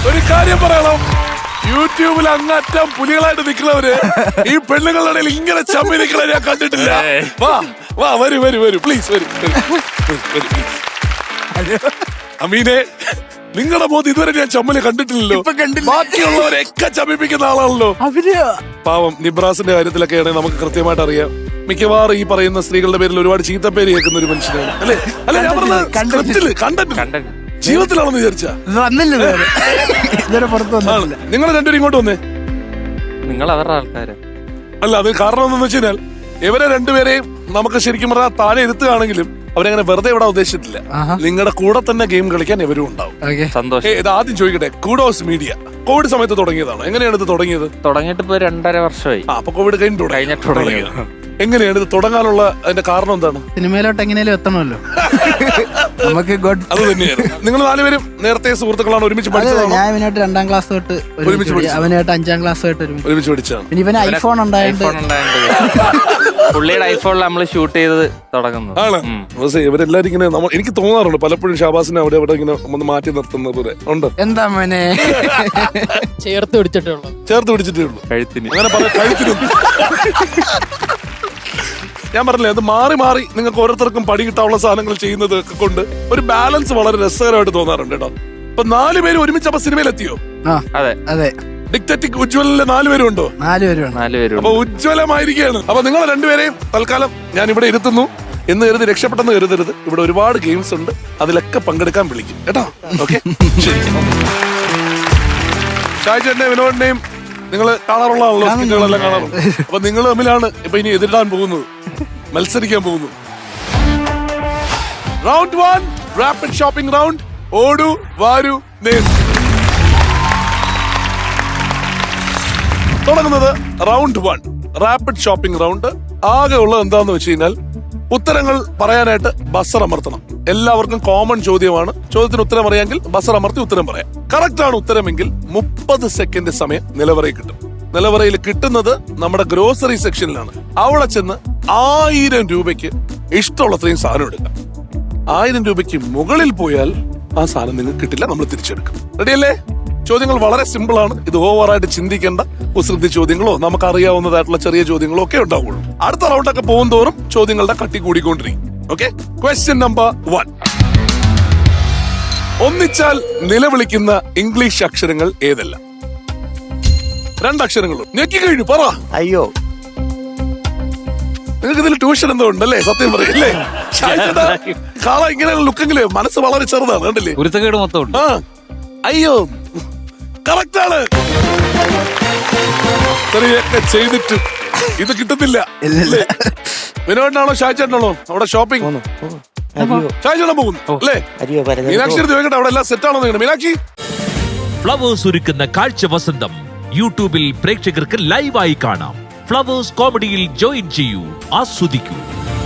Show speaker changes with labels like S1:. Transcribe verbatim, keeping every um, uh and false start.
S1: ഒരു കാര്യം പറയണം, യൂട്യൂബിൽ അങ്ങറ്റം പുലികളായിട്ട് നിൽക്കുന്നവര് ഈ പെണ്ണുങ്ങളുടെ ഇടയിൽ ഇങ്ങനെ ചമ്മി നിൽക്കണ ഞാൻ കണ്ടിട്ടില്ല. വാ വാ വരൂ വരൂ വരൂ പ്ലീസ് വരൂ. അമീനെ, നിങ്ങളുടെ മോദി ഇതുവരെ ഞാൻ ചമ്മല് കണ്ടിട്ടില്ലല്ലോ. ബാക്കിയുള്ളവരെയൊക്കെ ചമ്മിപ്പിക്കുന്ന ആളാണല്ലോ. പാവം നിബ്രാസിന്റെ കാര്യത്തിലൊക്കെ ആണെങ്കിൽ നമുക്ക് കൃത്യമായിട്ട് അറിയാം. മിക്കവാറും ഈ പറയുന്ന സ്ത്രീകളുടെ പേരിൽ ഒരുപാട് ചീത്തപ്പേര് കേൾക്കുന്ന ഒരു മനുഷ്യനാണ് അല്ലെ? അല്ലെ ഞാൻ പറഞ്ഞത് കണ്ടന്റ് കണ്ടന്റ് ജീവിതത്തിലാണെന്ന് വിചാരിച്ചാ നിങ്ങൾ രണ്ടുപേരും ഇങ്ങോട്ട് വന്നേ.
S2: നിങ്ങൾ അവരുടെ ആൾക്കാര്
S1: അല്ല, അത് കാരണം എന്താണെന്ന് വെച്ച് കഴിഞ്ഞാൽ ഇവരെ രണ്ടുപേരെയും നമുക്ക് ശരിക്കും പറഞ്ഞാൽ താഴെ ഇരുത്തുകയാണെങ്കിലും അവരങ്ങനെ വെറുതെ ഇവിടെ ഉദ്ദേശിച്ചിട്ടില്ല. നിങ്ങളുടെ കൂടെ തന്നെ ഗെയിം കളിക്കാൻ ഇവരും ഉണ്ടാവും.
S2: സന്തോഷം.
S1: ഇത് ആദ്യം ചോദിക്കട്ടെ, കൂഡോസ് മീഡിയ കോവിഡ് സമയത്ത് തുടങ്ങിയതാണോ? എങ്ങനെയാണ് ഇത് തുടങ്ങിയത്?
S2: തുടങ്ങിയിട്ട് ഇപ്പൊ രണ്ടര വർഷമായി.
S1: അപ്പൊ കോവിഡ് കഴിഞ്ഞിട്ട് തുടങ്ങിയത്. എങ്ങനെയാണ് ഇത് തുടങ്ങാനുള്ള അതിന്റെ കാരണം എന്താണ്?
S3: സിനിമയിലോട്ട് എങ്ങനെയാലും എത്തണമല്ലോ. നമുക്ക്
S1: അത് തന്നെയായിരുന്നു. നിങ്ങൾ നാലുപേരും നേരത്തെ സുഹൃത്തുക്കളാണ്, ഒരുമിച്ച് പഠിച്ചതാണ്?
S3: ഞാൻ ഇവനായിട്ട് രണ്ടാം ക്ലാസ് തൊട്ട് ഒരുമിച്ച് പഠിച്ചു, അവനായിട്ട് അഞ്ചാം ക്ലാസ് തൊട്ട്
S1: ഒരുമിച്ച് പഠിച്ചതാണ്.
S3: പിന്നെ ഇവന് ഐഫോൺ ഉണ്ടായത്
S2: പുള്ളിയുടെ ഐഫോണിൽ നമ്മൾ ഷൂട്ട് ചെയ്ത് തുടങ്ങുന്നു.
S1: ആണ് ഇവരെല്ലാരും ഇങ്ങനെ നമ്മൾ എനിക്ക് തോന്നാറുണ്ട് പലപ്പോഴും ഷാബാസിനെ അവിടെ അവിടെ ഇങ്ങനെ ഒന്ന് മാറ്റി നിർത്തുന്നത് പോലെ ഉണ്ട്.
S3: എന്താ മോനെ ചേർത്ത് പിടിച്ചിട്ടേ ഉള്ളൂ,
S1: ചേർത്ത് പിടിച്ചിട്ടേ ഉള്ളൂ
S2: കഴുത്തിന്.
S1: അങ്ങനെ പല കഴുത്തിനും ഞാൻ പറഞ്ഞില്ലേ, അത് മാറി മാറി നിങ്ങൾക്ക് ഓരോരുത്തർക്കും പടി കിട്ടാനുള്ള സാധനങ്ങൾ ചെയ്യുന്നത് ഒക്കെ കൊണ്ട് ഒരു ബാലൻസ് വളരെ രസകരമായിട്ട് തോന്നാറുണ്ട് കേട്ടോ. ഇപ്പൊ നാല് പേര് ഒരുമിച്ച് അപ്പൊ സിനിമയിൽ എത്തിയോ?
S2: അതെ
S3: അതെ.
S1: ഡിക്റ്ററ്റിക് ഉജ്വലിലെ നാലുപേരും ഉണ്ടോ?
S3: നാലുപേരും
S2: നാലുപേരും.
S1: അപ്പൊ ഉജ്വലമായിരിക്കുകയാണ്. അപ്പൊ നിങ്ങൾ രണ്ടുപേരെയും തൽക്കാലം ഞാൻ ഇവിടെ ഇരുത്തുന്നു എന്ന് കരുതി രക്ഷപ്പെട്ടെന്ന് കരുതരുത്. ഇവിടെ ഒരുപാട് ഗെയിംസ് ഉണ്ട്, അതിലൊക്കെ പങ്കെടുക്കാൻ വിളിക്കും കേട്ടോ. ഓക്കെ, ശരി. ഷാജേട്ടനെയും വിനോദിനെയും നിങ്ങൾ കാണാറുള്ള ആണല്ലോ, സ്കിറ്റുകളെല്ലാം കാണാറുണ്ട്. അപ്പൊ നിങ്ങൾ തമ്മിലാണ് ഇപ്പൊ ഇനി എതിരിടാൻ പോകുന്നത്, മത്സരിക്കാൻ പോകുന്നു. Round one, rapid shopping round. ഓടു വാരു നേർ. തുടങ്ങുന്നത് round one, rapid shopping round. ആകെ ഉള്ളത് എന്താന്ന് വെച്ച് കഴിഞ്ഞാൽ ഉത്തരങ്ങൾ പറയാനായിട്ട് ബസർ അമർത്തണം. എല്ലാവർക്കും കോമൺ ചോദ്യമാണ്. ചോദ്യത്തിന് ഉത്തരം അറിയാമെങ്കിൽ ബസർ അമർത്തി ഉത്തരം പറയാം. കറക്റ്റ് ആണ് ഉത്തരമെങ്കിൽ മുപ്പത് സെക്കൻഡ് സമയം നിലവറയിൽ കിട്ടും. നിലവറയിൽ കിട്ടുന്നത് നമ്മുടെ ഗ്രോസറി സെക്ഷനിലാണ്. അവിടെ ചെന്ന് ആയിരം രൂപയ്ക്ക് ഇഷ്ടമുള്ളത്രയും സാധനം എടുക്കാം. ആയിരം രൂപയ്ക്ക് മുകളിൽ പോയാൽ ആ സാധനം നിങ്ങൾക്ക് കിട്ടില്ല, നമ്മൾ തിരിച്ചെടുക്കും. റെഡിയല്ലേ? ചോദ്യങ്ങൾ വളരെ സിമ്പിൾ ആണ്. ഇത് ഓവറായിട്ട് ചിന്തിക്കേണ്ട കുസൃതി ചോദ്യങ്ങളോ നമുക്ക് അറിയാവുന്നതായിട്ടുള്ള ചെറിയ ചോദ്യങ്ങളോ ഒക്കെ ഉണ്ടാവുള്ളൂ. അടുത്ത റൗണ്ടൊക്കെ പോകും തോറും ചോദ്യങ്ങളുടെ കട്ടി കൂടിക്കൊണ്ടിരിക്കും. Okay, question number one. ഒന്നിച്ചാൽ നിലവിളിക്കുന്ന ഇംഗ്ലീഷ് അക്ഷരങ്ങൾ ഏതെല്ലാം? രണ്ടക്ഷരങ്ങളും ഞെക്കി കഴിഞ്ഞു, പറ.
S4: അയ്യോ,
S1: നിങ്ങൾക്ക് ഇതിൽ ട്യൂഷൻ എന്തോ ഉണ്ടല്ലേ? സത്യം പറയല്ലേ? കാള ഇങ്ങനെയുള്ള ലുക്കെങ്കിലേ മനസ്സ് വളരെ ചെറുതാണ്, കണ്ടില്ലേ?
S2: ഉരുത്തക്കേട് മൊത്തം ഉണ്ട്.
S1: ആ, അയ്യോ, കറക്റ്റ് ആണ്. ചെറിയൊക്കെ ചെയ്തിട്ട് ഇത് കിട്ടുന്നില്ല. വിനോദനാണോ ഷാജേട്ടനാണോ അവിടെ ഷോപ്പിംഗ്? ഷാജേട്ടൻ പോകുന്നു അല്ലേ? മീനാക്ഷി ചോദിക്കട്ടെ, അവിടെ എല്ലാം സെറ്റ് ആണോ? മീനാക്ഷി,
S5: ഫ്ലവേഴ്സ് ഒരുക്കുന്ന കാഴ്ച വസന്തം യൂട്യൂബിൽ പ്രേക്ഷകർക്ക് ലൈവായി കാണാം. ഫ്ലവേഴ്സ് കോമഡിയിൽ ജോയിൻ ചെയ്യൂ, ആസ്വദിക്കൂ.